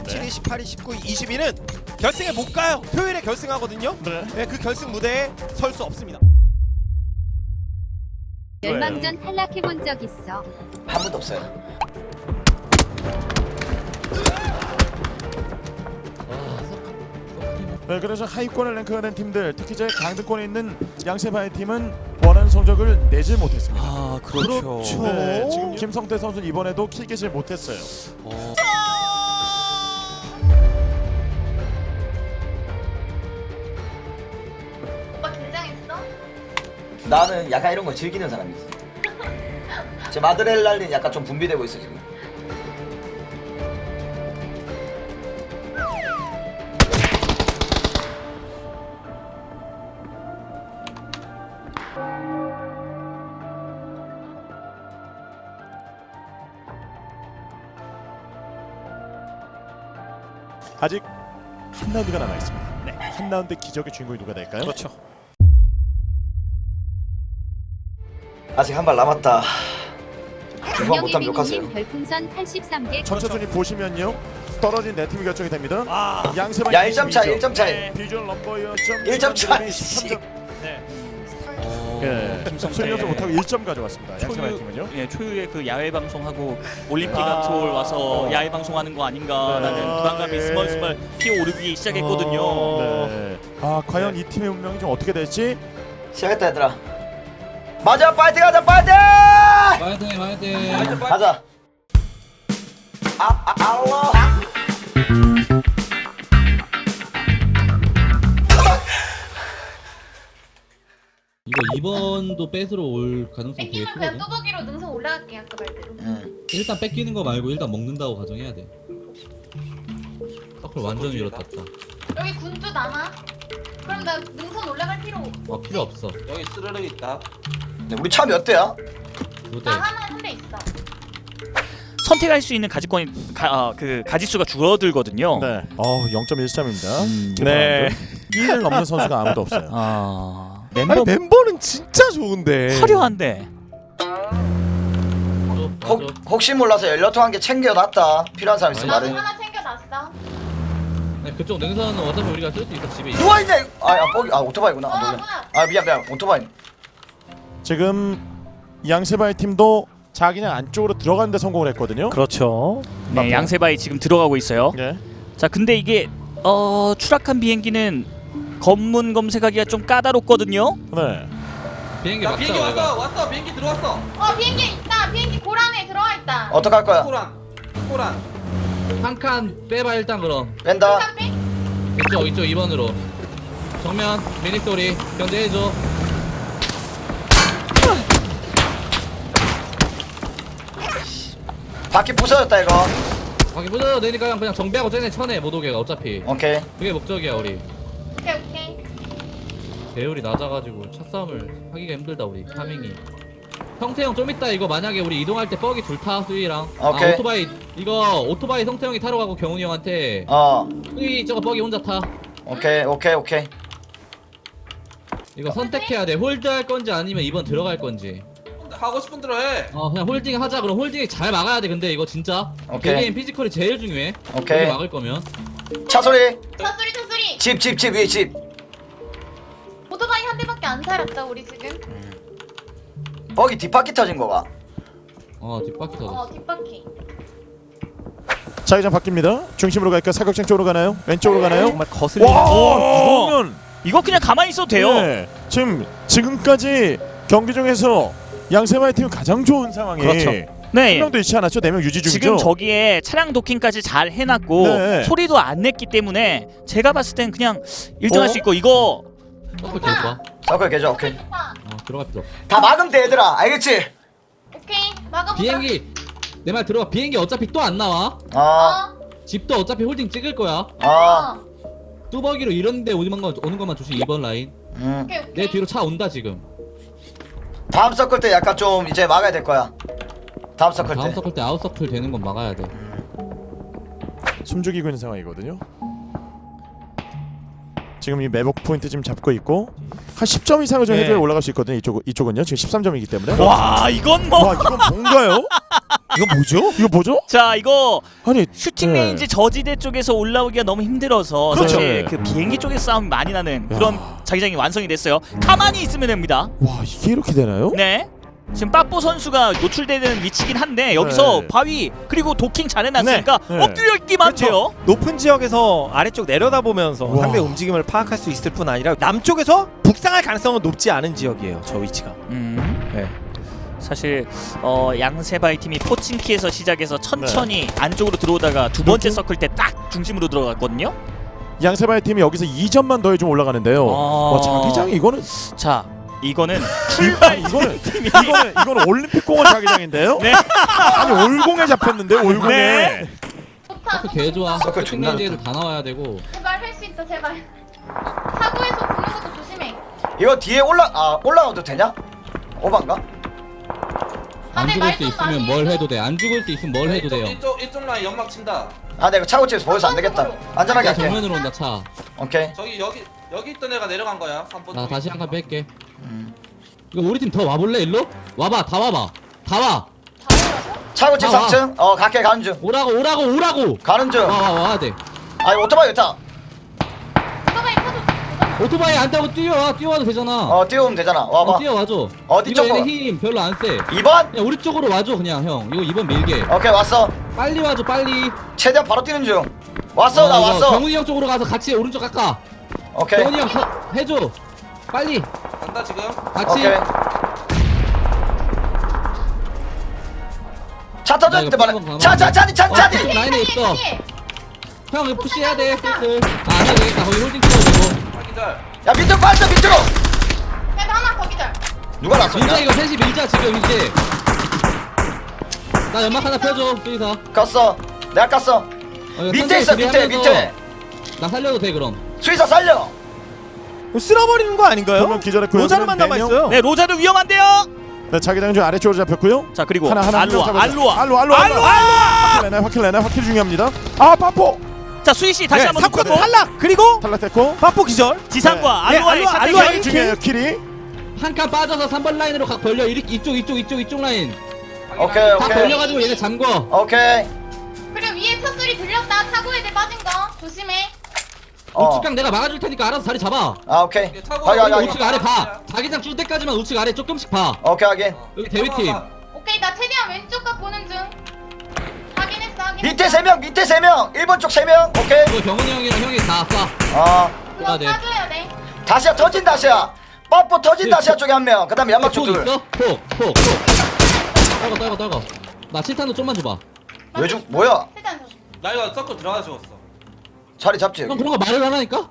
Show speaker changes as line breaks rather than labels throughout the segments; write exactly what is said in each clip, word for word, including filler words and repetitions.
십칠 위, 십팔 위, 십구 위, 이십 위는 결승에 못 가요. 토요일에 결승하거든요.
네.
네, 그 결승 무대에 설 수 없습니다.
멸망전 탈락해본 적 있어?
한 번도 없어요.
네, 그래서 하위권을 랭크가 된 팀들, 특히 제 강등권에 있는 양세바의 팀은 원하는 성적을 내지 못했습니다.
아 그렇죠.
그렇죠.
네, 지금 김성태 선수는 이번에도 킬겟을 못했어요.
어.
오빠 긴장했어?
나는 약간 이런 거 즐기는 사람이지. 제 마드렐랄린 약간 좀 분비되고 있어 지금.
아직 한 라운드가 남아 있습니다. 네, 한 라운드 기적의 주인공이 누가 될까요?
그렇죠.
아직 한 발 남았다. 주방 못하면
안녕예빈님
욕하세요.
별풍선 팔십삼 개
전체 순위 보시면요, 떨어진 네 팀이 결정이 됩니다.
아,
양세바
야 일 점 차, 일 점 차이.
네.
비주얼 넘버이어
일 점 차.
십삼 점.
어,
예,
김성태
수리연수 못하고 일 점 가져왔습니다. 양세바
초유,
팀은요.
예, 초유의 그 야외 방송하고 올림픽
아.
아트홀 와서 야외 방송하는 거 아닌가라는
네.
부담감이
예.
스멀스멀 피어오르기 시작했거든요.
네. 아, 과연 이 팀의 운명이 좀 어떻게 될지.
시작했다 얘들아. 맞아, 파이팅 하자, 파이팅!
화이팅 화이팅.
가자. 아, 아, 알로.
이거 이번도 뺏으러 올 가능성 되게
뺏기면 그냥
크거든.
뚜벅이로 능선 올라갈게 아까 말대로.
응.
일단 뺏기는 거 말고 일단 먹는다고 가정해야 돼. 서클 완전 위로 탔다.
여기 군주 남아. 그럼 나 능선 올라갈 필요 없.
어 필요 없어.
여기 스르륵 있다.
네, 우리 차 몇 대야?
두 대.
나 하나 한 대 있어.
선택할 수 있는 가지권이 가, 아, 그 가지수가 줄어들거든요.
네. 어, 영 점 일 점입니다.
음,
네.
이를 넘는 선수가 아무도 없어요.
아
아니,
멤버
멤버는 진짜 좋은데.
화려한데.
혹, 혹시 몰라서 연료통 한 개 챙겨놨다. 필요한 사람 있으면
나도
말해.
하나 챙겨놨어.
네, 그쪽 능선은 어차피 우리가 쓸 수 있어 집에. 있어.
누워 있네. 아, 야, 뻑이. 아, 오토바이구나. 아,
어,
놀래.
뭐야?
아, 미안, 미안. 오토바이.
지금 양세바의 팀도 자기네 안쪽으로 들어가는데 성공을 했거든요.
그렇죠.
네, 양세바이 지금 들어가고 있어요.
네.
자, 근데 이게 어, 추락한 비행기는 검문 검색하기가 좀 까다롭거든요.
네.
비행기
야
막자.
비행기
우리가.
왔어, 왔어. 비행기 들어왔어.
어 비행기 있다. 비행기 고란에 들어와 있다.
어떡할 거야?
코란, 코란.
한 칸 빼봐 일단 그럼.
뺀다.
깜빡.
이쪽 이쪽 이 번으로. 정면 미니 소리 견제해줘.
바퀴 부서졌다 이거.
밖에 부서도 되니까 그냥, 그냥 정비하고 쟤네 쳐내 못 오게 어차피.
오케이.
그게 목적이야 우리.
오케이 오케이.
배율이 낮아가지고 차 싸움을 하기가 힘들다 우리 타밍이. 성태형 좀 이따 이거 만약에 우리 이동할 때 뻑이 둘타 수희랑.
오케이.
아 오토바이 이거 오토바이 성태형이 타러 가고 경훈이 형한테
어.
수희 저거 뻑이 혼자 타.
오케이, 오케이, 오케이.
이거 선택해야 돼. 홀드 할 건지 아니면 이번 들어갈 건지.
하고 싶은 대로 해.
어 그냥 홀딩 하자. 그럼 홀딩이 잘 막아야 돼. 근데 이거 진짜
오케이.
개개인 피지컬이 제일 중요해.
오케이.
여기 막을 거면.
차 소리.
차 소리 차 소리.
집, 집, 집 위에 집.
오토바이 한 대밖에 안 살았다 우리 지금.
뻑이 뒷바퀴 터진 거가.
어 뒷바퀴 터졌어.
어 뒷바퀴.
자기장 바뀝니다. 중심으로 갈까? 사격장 쪽으로 가나요? 왼쪽으로 가나요?
정말 거슬리는.
와,
오,
이거면
이거 그냥 가만히 있어도 돼요.
네. 지금 지금까지 경기 중에서 양세바의 팀은 가장 좋은 상황이
그렇죠.
한
네.
명도 잃지 않았죠. 네 명 유지 중이죠.
지금 저기에 차량 도킹까지 잘 해놨고
네.
소리도 안 냈기 때문에 제가 봤을 땐 그냥 일 등 할
어?
수 있고 이거
서클 계속 봐.
서클 계좌 오케이.
좋다.
어 들어갈 필요 없어.
다 막으면 돼 얘들아. 알겠지?
오케이 막아보자.
비행기 내 말 들어봐. 비행기 어차피 또 안 나와.
어.
어.
집도 어차피 홀딩 찍을 거야.
어.
어.
뚜벅이로 이런데 오는 거 오는 것만 조심. 이 번 라인.
음.
오케이 오케이.
내 뒤로 차 온다 지금.
다음 서클 때 약간 좀 이제 막아야 될 거야. 다음 서클
다음
때.
서클 때 아웃 서클 되는 건 막아야 돼.
숨죽이고 있는 상황이거든요. 지금 이 매복 포인트 지금 잡고 있고 한 십 점 이상을 좀
네.
해줘야 올라갈 수 있거든요. 이쪽 이쪽은요. 지금 십삼 점이기 때문에.
와 이건 뭐
와, 이건 뭔가요?
이거 뭐죠?
이거 뭐죠?
자 이거
아니
슈팅
네.
레인지 저지대 쪽에서 올라오기가 너무 힘들어서
그렇죠.
사실 그 비행기 쪽에서 싸움이 많이 나는 그런 자기장이 완성이 됐어요. 가만히 있으면 됩니다.
와 이게 이렇게 되나요?
네. 지금 빠뽀 선수가 노출되는 위치긴 한데 여기서
네.
바위 그리고 도킹 잘 해놨으니까
네. 네.
엎드려 있기만 돼요.
높은 지역에서 아래쪽 내려다보면서
와.
상대 움직임을 파악할 수 있을 뿐 아니라 남쪽에서 북상할 가능성은 높지 않은 지역이에요. 저 위치가.
음.
네.
사실 어, 양세바이 팀이 포칭키에서 시작해서 천천히 안쪽으로 들어오다가 두 번째
그렇죠.
서클 때 딱 중심으로 들어갔거든요.
양세바의 팀이 여기서 이 점만 더해 좀 올라가는데요.
아.
와 자기장이 이거는
자 이거는
출발 이거는 이거는 이거는 올림픽 공원 자기장인데요?
네.
아니 올공에 잡혔는데 올공에.
네.
좋다.
서클 개 좋아.
서클
서클
존나
땡레인지에도 다 나와야 되고.
제발 할 수 있어 제발. 사고에서 보는 것도 조심해.
이거 뒤에 올라 아 올라가도 되냐? 오반가?
안
아, 네,
죽을 수
말좀
있으면
많이
뭘
해줘.
해도 돼. 안 죽을 수 있으면 뭘 해도 돼요.
이쪽 이쪽 라인 연막 친다.
아 내가 차고집에서 보여서 안 되겠다. 안전하게
야
할게.
정면으로 온다 차.
오케이.
저기 여기 여기 있던 애가 내려간 거야. 삼 번.
나 다시 한 칸 뺄게. 이거 우리 팀 더 와볼래 일로? 와봐 다 와봐. 다 와.
차고집
아,
삼 층. 어 갈게 가는 중.
오라고 오라고 오라고.
가는 중.
와 와 와야 돼.
아 오토바이 있다.
오토바이 타도
오토바이 안 타고 뛰어와 뛰어와도 되잖아.
어 뛰어오면 되잖아. 와봐.
어, 뛰어와줘.
어디
이거
쪽으로?
얘네 힘 별로 안 세.
이 번.
그냥 우리 쪽으로 와줘 그냥 형. 이거 이번 밀게.
오케이 왔어.
빨리 와줘 빨리.
최대한 바로 뛰는 중. 왔어
어,
나
이거
왔어.
경훈이 형 쪽으로 가서 같이 오른쪽 깎아.
오케이.
경훈이 형 서, 해줘. 빨리
간다 지금.
같이.
오케이. 차 터졌는데
나 이거
말해.
한번
차차 차디 차
어,
차디.
그쪽 라인에 있어.
피해.
형 이거 푸시해야 돼 슬슬. 아 안해도 되겠다. 거기 홀딩 찍어도 되고.
확인절.
야 밑으로 빠져 밑으로.
그래도 하나 더 기절.
누가
밀자
났었냐?
이거 셋이 밀자 지금 이제. 나 연막 하나 펴줘 수의사.
깠어. 내가 깠어.
어, 이거
밑에
천천히
있어 밑에
준비하면서
밑에.
나 살려도 돼 그럼.
수의사 살려.
이거 쓸어버리는 거 아닌가요?
두명 기절했고요.
로자르만
네
남아
명.
있어요.
네 로자르 위험한데요.
네, 자기장 중 아래쪽으로 잡혔고요.
자 그리고
하나 하나
알로아
잡아줘.
알로아
알로아 알로아
알로아!
확킬 내나 확킬 내나 확킬 중요합니다. 아 파포
자 수희 씨 다시
네,
한번
삼 컷
듣고
탈락. 그리고
탈락됐고.
파포 기절.
지상과
네,
알로아의
알로아,
샷
알로아
대결.
일
중요해요 킬이.
한 칸 빠져서 삼 번 라인으로 각 벌려 이렇게 이쪽 이쪽 이쪽 이쪽 라인.
오케이
각
오케이.
벌려가지고 얘네 잠궈.
오케이.
그리고 위에 차 소리 들렸다. 차고 애들 빠진 거 조심해.
어.
우측강 내가 막아줄 테니까 알아서 자리 잡아.
아 오케이.
이게 차고
확인 확인
여기
우측
확인.
아래 봐. 자기장 줄 때까지만 우측 아래 조금씩 봐.
오케이 확인.
여기 대위팀.
오케이 나 최대한 왼쪽 각 보는 중. 확인했어 확인했어.
밑에 세 명 밑에 세 명. 일 번 쪽 세 명. 오케이.
이거 경훈이 형이랑 형이 다 쏴.
어.
그거
아, 네.
빠져야 돼.
다시야 터진 다시야. 뽀뽀 터진
네,
다시야
폭.
쪽에 한 명. 그다음에 연막 쪽
폭
둘.
있어? 폭, 폭, 폭. 떨궈, 떨궈, 떨궈. 나 칠탄도 좀만 줘봐.
왜죽 뭐야?
최대한 줘.
나 이거 서클 들어가 죽었어.
자리 잡지.
형
여기.
그런 거 말을 하라니까?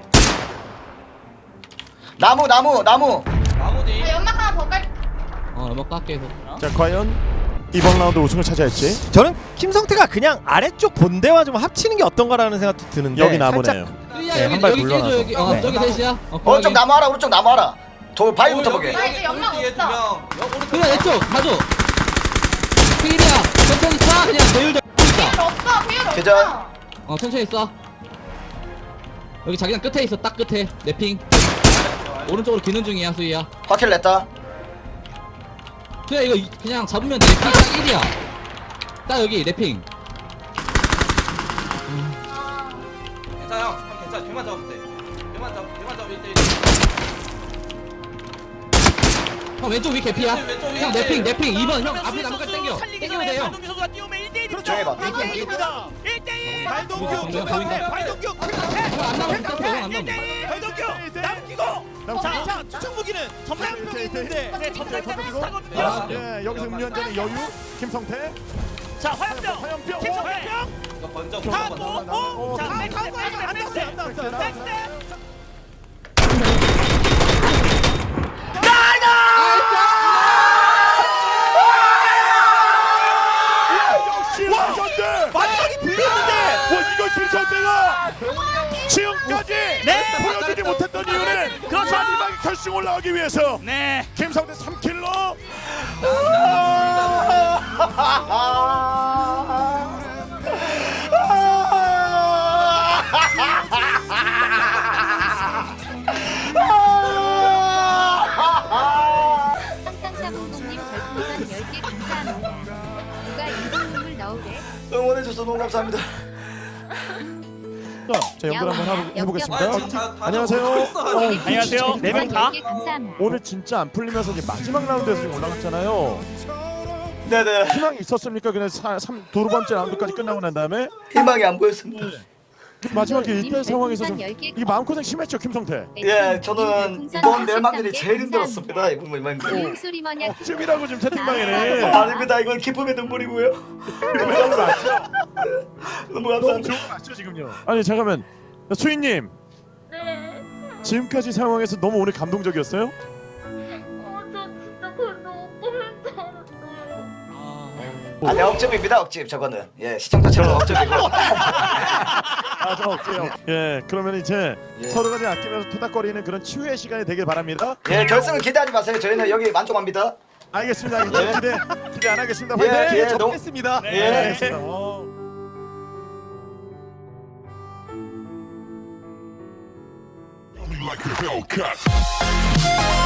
나무 나무 나무.
나무디.
아, 연막 하나 더 깔.
어, 연막 깎게 해서.
자 과연 이번 라운드 우승을 차지할지.
저는 김성태가 그냥 아래쪽 본대와 좀 합치는 게 어떤가라는 생각도 드는데
여기
살짝
나무네요.
야,
네,
여기,
한발
여기
물러나서.
깨줘, 여기. 어,
네.
저기 셋이야. 어,
오른쪽 나무 하라 오른쪽 나무 하라. 돌 바위부터 보게.
나 이제 연막
뒤에 두
없어.
명. 여기 오른쪽.
그래, 내쪽 가줘. 필이야. 천천히 쏴. 그냥 배율 좀
배율
있다.
없어. 배율
계절.
없어.
어, 천천히 쏴. 여기 자기장 끝에 있어, 딱 끝에. 내 핑. 오른쪽으로 기는 중이야, 수희야.
확킬 냈다.
수희야, 이거 이- 그냥 잡으면 내 핑 딱 일이야. 딱 여기, 내 핑.
아,
괜찮아 형. 형 괜찮아. 걔만 잡으면 돼. 걔만 잡. 걔만 잡으면 일 대 일.
형, 왼쪽 위 개피야.
왼쪽, 왼쪽 위.
형, 내 핑, 내 핑. 이 번. 형, 앞에 나무까지 당겨. 당기면 돼, 형.
발동규 선수가 뛰어오면 일 대 일이죠.
조용히 봐.
발동규입니다.
일 대 일.
발동규
보인다, 보인다.
김성태 발동규 김성태
형, 안 남아, 붙었어, 형, 안 남아.
발동규 남기고
남기고.
자, 자 투척 무기는 전남동에 있는데
네, 전달 때문에
터지고.
싸거든요.
아,
예 여기서 음료 한 잔의 여유. 김성태.
자, 화염병.
화염병.
김성태.
이거 번쩍
다
번쩍
또,
번쩍.
오, 자,
어,
백스텝,
안
백스텝,
닿았어요,
백스텝.
안 닿았어요.
백스텝.
역시 레전드.
마지막이 불렸는데
와 이거 김성태가 지금까지
네.
보여주지 못했던 이유는
그렇죠.
마지막에 결승 올라가기 위해서
네.
김성태 삼 킬로.
삼삼사공공님 별풍선 열 개 감사합니다. 누가
응원해줘서 너무 감사합니다.
자, 연결 한번 하고 해보겠습니다.
아, 지금 다- 다
안녕하세요.
오고 있어.
어,
안녕하세요. 네 명 다.
감사합니다.
오늘 진짜 안 풀리면서 이제 마지막 라운드에서 지금 올라갔잖아요.
네네.
희망이 있었습니까? 그냥 사, 삼, 두 번째 라운드까지 끝나고 난 다음에
희망이 안 보였습니다.
마지막에 이때 상황에서 좀 이 마음고생 심했죠, 김성태.
예, 저는 이번 멸망전이 제일 힘들었습니다. 이번 멸망전.
소리 뭐냐?
쯤이라고 지금 채팅방에는.
아닙니다. 이건 기쁨의 눈물이고요.
너무 맞죠?
너무
너무
감사합니다.
좋은 거 맞죠 지금요? 아니 잠깐만, 수인님
네.
지금까지 상황에서 너무 오늘 감동적이었어요?
어, 저 진짜 그걸 너무 꿈을 꿨어요.
아니 억집입니다. 억집 저거는. 예, 시청자처럼 억집이고.
아저 어때요? 예, 그러면 이제
예.
서로가 이제 아끼면서 토닥거리는 그런 치유의 시간이 되길 바랍니다.
예, 결승은 기대하지 마세요. 저희는 여기 만족합니다.
알겠습니다. 알겠습니다. 기대 기대 안 하겠습니다.
예,
화이팅!
예, 너무-
접겠습니다.
예.
알겠습니다. 어.
like a Hellcat.